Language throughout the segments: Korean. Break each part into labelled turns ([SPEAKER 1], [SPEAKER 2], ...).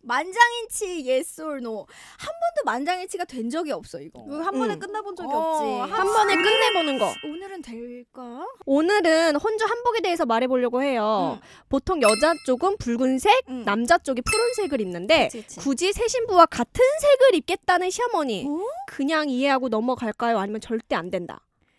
[SPEAKER 1] 만장일치 yes or no. 한 번도 만장일치가 된 적이 없어 이거.
[SPEAKER 2] 한 번에 끝나본 적이 없지.
[SPEAKER 3] 한 번에 끝내보는 거.
[SPEAKER 1] 오늘은 될까?
[SPEAKER 3] 오늘은 혼주 한복에 대해서 말해보려고 해요. 보통 여자 쪽은 붉은색, 남자 쪽이 푸른색을 입는데
[SPEAKER 1] 그치.
[SPEAKER 3] 굳이 새 신부와 같은 색을 입겠다는 시어머니.
[SPEAKER 1] 어?
[SPEAKER 3] 그냥 이해하고 넘어갈까요? 아니면 절대 안 된다?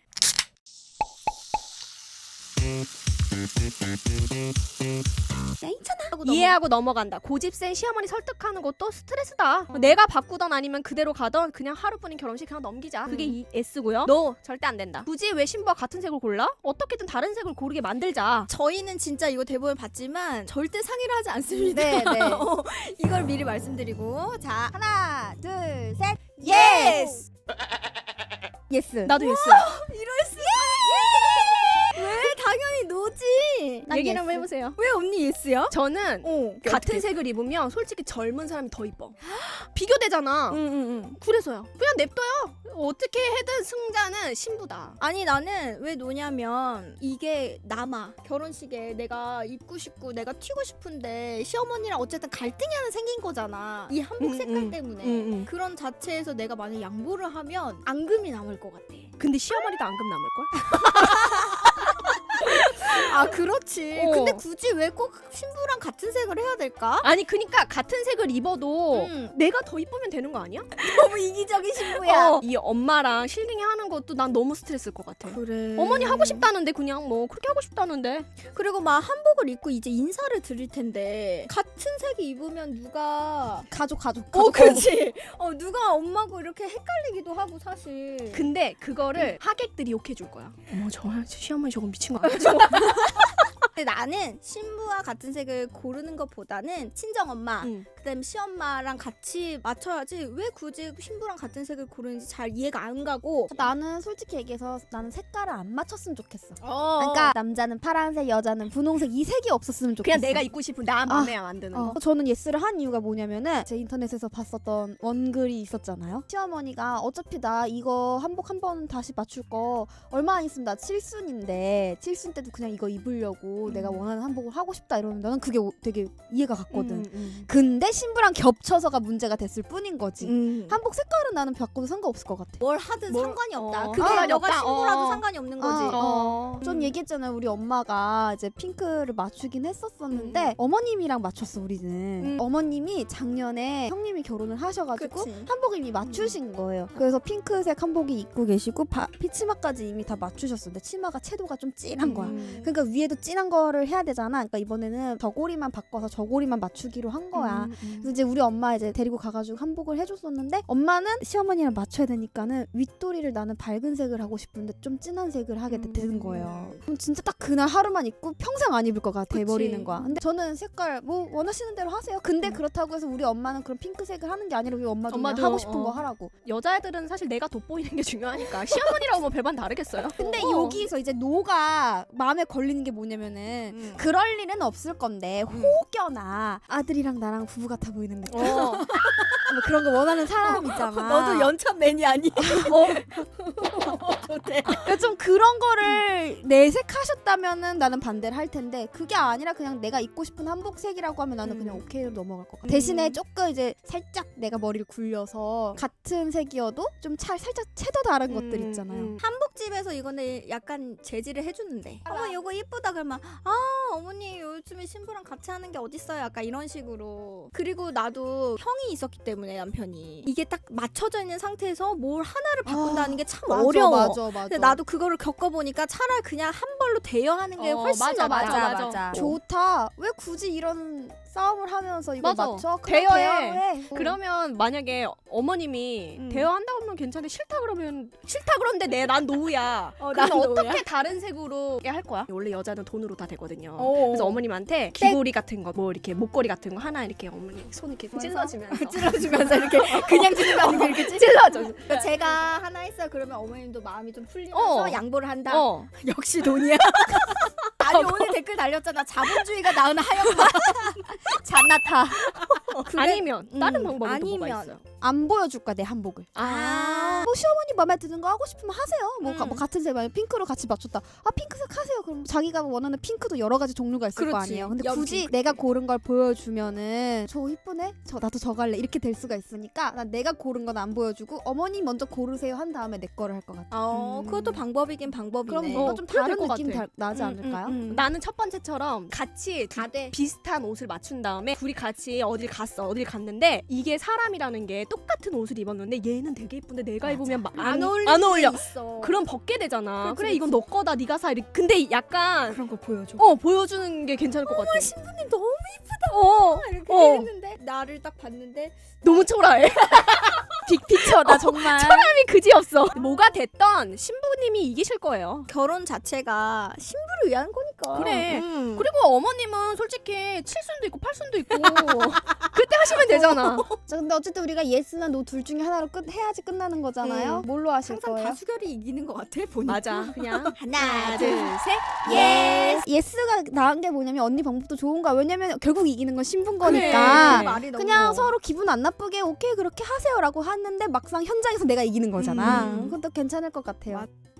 [SPEAKER 1] 괜찮아.
[SPEAKER 3] 이해하고 넘어간다. 고집센 시어머니 설득하는 것도 스트레스다. 내가 바꾸던 아니면 그대로 가던 그냥 하루뿐인 결혼식 그냥 넘기자. 그게 S고요. 너 절대 안 된다. 굳이 왜 신부와 같은 색을 골라? 어떻게든 다른 색을 고르게 만들자.
[SPEAKER 1] 저희는 진짜 이거 대본을 봤지만 절대 상의를 하지 않습니다.
[SPEAKER 2] 네, 네.
[SPEAKER 1] 이걸 미리 말씀드리고 자 하나 둘 셋
[SPEAKER 2] 예스! 예스.
[SPEAKER 3] 나도 예스.
[SPEAKER 1] 이럴 수 왜 당연히 노지.
[SPEAKER 2] 난
[SPEAKER 3] 얘기를
[SPEAKER 2] 예스.
[SPEAKER 3] 한번 해보세요.
[SPEAKER 1] 왜 언니 예스야?
[SPEAKER 3] 저는 같은
[SPEAKER 1] 어떻게?
[SPEAKER 3] 색을 입으면 솔직히 젊은 사람이 더 이뻐. 비교되잖아.
[SPEAKER 1] 응.
[SPEAKER 3] 그래서요. 그냥 냅둬요. 어떻게 해든 승자는 신부다.
[SPEAKER 1] 아니 나는 왜 노냐면 이게 남아 결혼식에 내가 입고 싶고 내가 튀고 싶은데 시어머니랑 어쨌든 갈등이 하나 생긴 거잖아 이 한복 색깔 때문에 그런 자체에서 내가 만약 양보를 하면 앙금이 남을 것 같아.
[SPEAKER 3] 근데 시어머니도 앙금 남을걸?
[SPEAKER 1] 아 그렇지.
[SPEAKER 3] 어.
[SPEAKER 1] 근데 굳이 왜 꼭 신부랑 같은 색을 해야 될까?
[SPEAKER 3] 아니 그니까 같은 색을 입어도
[SPEAKER 1] 응.
[SPEAKER 3] 내가 더 이쁘면 되는 거 아니야?
[SPEAKER 1] 너무 이기적인 신부야.
[SPEAKER 3] 이 엄마랑 실링이 하는 것도 난 너무 스트레스일 것 같아.
[SPEAKER 1] 그래.
[SPEAKER 3] 어머니 하고 싶다는데 그냥 뭐 그렇게 하고 싶다는데.
[SPEAKER 1] 그리고 막 한복을 입고 이제 인사를 드릴 텐데 같은 색이 입으면 누가
[SPEAKER 2] 가족.
[SPEAKER 1] 그렇지. 누가 엄마고 이렇게 헷갈리기도 하고 사실.
[SPEAKER 3] 근데 그거를 하객들이 욕해 줄 거야. 어머 저 시어머니 저거 미친 거 아니야?
[SPEAKER 1] 근데 나는 신부와 같은 색을 고르는 것보다는 친정 엄마, 그다음 시엄마랑 같이 맞춰야지 왜 굳이 신부랑 같은 색을 고르는지 잘 이해가 안 가고.
[SPEAKER 2] 나는 솔직히 얘기해서 나는 색깔을 안 맞췄으면 좋겠어.
[SPEAKER 1] 그러니까
[SPEAKER 2] 그러니까 남자는 파란색, 여자는 분홍색 이 색이 없었으면 좋겠어.
[SPEAKER 3] 그냥 내가 입고 싶은 나 마음에 안 드는 거.
[SPEAKER 2] 저는 예스를 한 이유가 뭐냐면은 제 인터넷에서 봤었던 원글이 있었잖아요. 시어머니가 어차피 나 이거 한복 한 번 다시 맞출 거 얼마 안 있으면 나 칠순인데 칠순 때도 그냥 이거 입으려고 내가 원하는 한복을 하고 싶다 이러면 나는 그게 되게 이해가 갔거든. 근데 신부랑 겹쳐서가 문제가 됐을 뿐인 거지. 한복 색깔은 나는 바꿔도 상관없을 것 같아.
[SPEAKER 1] 뭘 하든
[SPEAKER 3] 뭘-
[SPEAKER 1] 상관이 없다.
[SPEAKER 3] 어.
[SPEAKER 1] 그게
[SPEAKER 3] 상관이
[SPEAKER 1] 너가
[SPEAKER 3] 없다.
[SPEAKER 1] 신부라도 상관이 없는 거지.
[SPEAKER 2] 전 얘기했잖아요. 우리 엄마가 이제 핑크를 맞추긴 했었었는데 어머님이랑 맞췄어 우리는. 어머님이 작년에 형님이 결혼을 하셔가지고
[SPEAKER 1] 그치.
[SPEAKER 2] 한복을 이미 맞추신 거예요. 그래서 핑크색 한복이 입고 계시고 피치마까지 이미 다 맞추셨었는데 치마가 채도가 좀 진한 거야. 그러니까 위에도 진한 거를 해야 되잖아. 그러니까 이번에는 저고리만 바꿔서 저고리만 맞추기로 한 거야. 그래서 이제 우리 엄마 이제 데리고 가가지고 한복을 해줬었는데 엄마는 시어머니랑 맞춰야 되니까는 윗도리를 나는 밝은 색을 하고 싶은데 좀 진한 색을 하게 되는 거예요. 그럼 진짜 딱 그날 하루만 입고 평생 안 입을 것 같아 버리는 거야. 근데 저는 색깔 뭐 원하시는 대로 하세요. 근데 그렇다고 해서 우리 엄마는 그런 핑크색을 하는 게 아니라 우리 엄마도 그냥
[SPEAKER 3] 엄마도,
[SPEAKER 2] 하고 싶은 거 하라고.
[SPEAKER 3] 여자애들은 사실 내가 돋보이는 게 중요하니까 시어머니라고 뭐 별반 다르겠어요.
[SPEAKER 2] 근데 여기서 이제 노가 마음에 걸리는 게 뭐냐면은 그럴 일은 없을 건데 혹여나 아들이랑 나랑 부부 같아 보이는 느낌 뭐 그런 거 원하는 사람 있잖아.
[SPEAKER 1] 너도 연참 매니 아니?
[SPEAKER 2] 그러니까 좀 그런 거를 내색하셨다면은 나는 반대를 할 텐데 그게 아니라 그냥 내가 입고 싶은 한복색이라고 하면 나는 그냥 오케이로 넘어갈 것 같아. 대신에 조금 이제 살짝 내가 머리를 굴려서 같은 색이어도 좀 살짝 채도 다른 것들 있잖아요.
[SPEAKER 1] 한복집에서 이거는 약간 제지를 해주는데 어머 이거 이쁘다 그러면 어머니 요즘에 신부랑 같이 하는 게 어딨어요 약간 이런 식으로. 그리고 나도 형이 있었기 때문에 남편이 이게 딱 맞춰져 있는 상태에서 뭘 하나를 바꾼다는 게 참 어려워.
[SPEAKER 2] 맞아.
[SPEAKER 1] 근데 나도 그거를 겪어보니까 차라리 그냥 한 벌로 대여하는 게 훨씬
[SPEAKER 3] 맞아,
[SPEAKER 1] 더
[SPEAKER 3] 맞아.
[SPEAKER 1] 맞아.
[SPEAKER 2] 좋다. 왜 굳이 이런 싸움을 하면서 이걸
[SPEAKER 3] 맞아.
[SPEAKER 2] 맞춰? 그냥
[SPEAKER 3] 대여해.
[SPEAKER 2] 대여해.
[SPEAKER 3] 그러면 만약에 어머님이 대화한다고 하면 괜찮은데 싫다 그러면 싫다 그러는데 난 노우야. 그러면
[SPEAKER 1] 난 노우야?
[SPEAKER 3] 어떻게 다른 색으로 할 거야? 원래 여자는 돈으로 다 되거든요.
[SPEAKER 1] 어.
[SPEAKER 3] 그래서 어머님한테 귀걸이 같은 거 뭐 이렇게 목걸이 같은 거 하나 이렇게 어머니 손 이렇게 찔러주면서
[SPEAKER 1] 찔러주면서 이렇게 그냥 주는 거 아니고 이렇게
[SPEAKER 3] 찔러줘.
[SPEAKER 1] 그러니까 제가 하나 했어요. 그러면 어머님도 마음이 좀 풀리면서 양보를 한다. 역시 돈이야. 아니 오늘 댓글 달렸잖아. 자본주의가 낳은 하얀맛. 잔나타.
[SPEAKER 3] 아니면 다른 방법이 또 뭐가
[SPEAKER 1] 아니면.
[SPEAKER 3] 있어요?
[SPEAKER 2] 안 보여줄 거야 내 한복을.
[SPEAKER 3] 아,
[SPEAKER 2] 시어머니 마음에 드는 거 하고 싶으면 하세요. 뭐,
[SPEAKER 3] 음.
[SPEAKER 2] 뭐 같은 색 만약 핑크로 같이 맞췄다. 아 핑크색 하세요. 그럼 자기가 원하는 핑크도 여러 가지 종류가 있을 거
[SPEAKER 3] 그렇지.
[SPEAKER 2] 아니에요. 근데
[SPEAKER 3] 연핑크.
[SPEAKER 2] 굳이 내가 고른 걸 보여주면은 저 이쁘네. 나도 저 갈래. 이렇게 될 수가 있으니까 난 내가 고른 건 안 보여주고 어머니 먼저 고르세요 한 다음에 내 거를 할 것 같아.
[SPEAKER 1] 그것도 방법이긴 방법이네.
[SPEAKER 2] 그럼 뭔가 좀
[SPEAKER 3] 그래야
[SPEAKER 2] 다른
[SPEAKER 3] 될것
[SPEAKER 2] 느낌
[SPEAKER 3] 같아.
[SPEAKER 2] 나지 않을까요?
[SPEAKER 3] 나는 첫 번째처럼 같이
[SPEAKER 1] 다 돼.
[SPEAKER 3] 비슷한 옷을 맞춘 다음에 둘이 같이 어딜 갔는데 이게 사람이라는 게 똑같은 옷을 입었는데 얘는 되게 예쁜데 내가 입으면 안 어울려.
[SPEAKER 1] 있어.
[SPEAKER 3] 그럼 벗게 되잖아.
[SPEAKER 1] 그렇지,
[SPEAKER 3] 그래 이건 너 거다 네가 사. 근데 약간
[SPEAKER 1] 그런 거 보여줘.
[SPEAKER 3] 보여주는 게 괜찮을 것 같아.
[SPEAKER 1] 신부님 너무 이렇게
[SPEAKER 3] 어.
[SPEAKER 1] 했는데 나를 딱 봤는데
[SPEAKER 3] 너무 초라해.
[SPEAKER 2] 빅피처다 정말.
[SPEAKER 3] 사람이 그지 없어. 뭐가 됐던 신부님이 이기실 거예요.
[SPEAKER 1] 결혼 자체가 신부를 위한 거니까.
[SPEAKER 3] 그래.
[SPEAKER 1] 음.
[SPEAKER 3] 그리고 어머님은 솔직히 7순도 있고 8순도 있고 그때 하시면 되잖아.
[SPEAKER 2] 자, 근데 어쨌든 우리가 예스나 노 둘 중에 하나로 해야지 끝나는 거잖아요. 뭘로 하실
[SPEAKER 1] 항상
[SPEAKER 2] 거예요?
[SPEAKER 1] 다수결이 이기는 것 같아 보니까.
[SPEAKER 3] 맞아. 그냥
[SPEAKER 1] 하나
[SPEAKER 3] 둘,
[SPEAKER 1] 둘셋
[SPEAKER 2] 예스. 예스가 나은 게 뭐냐면 언니 방법도 좋은 거야. 왜냐면 결국 이기는 건 신부인
[SPEAKER 3] 그래.
[SPEAKER 2] 거니까.
[SPEAKER 1] 말이 너무
[SPEAKER 2] 그냥 서로 기분 안 나쁘게 오케이 그렇게 하세요라고 하는데 막상 현장에서 내가 이기는 거잖아. 그것도 괜찮을 것 같아요.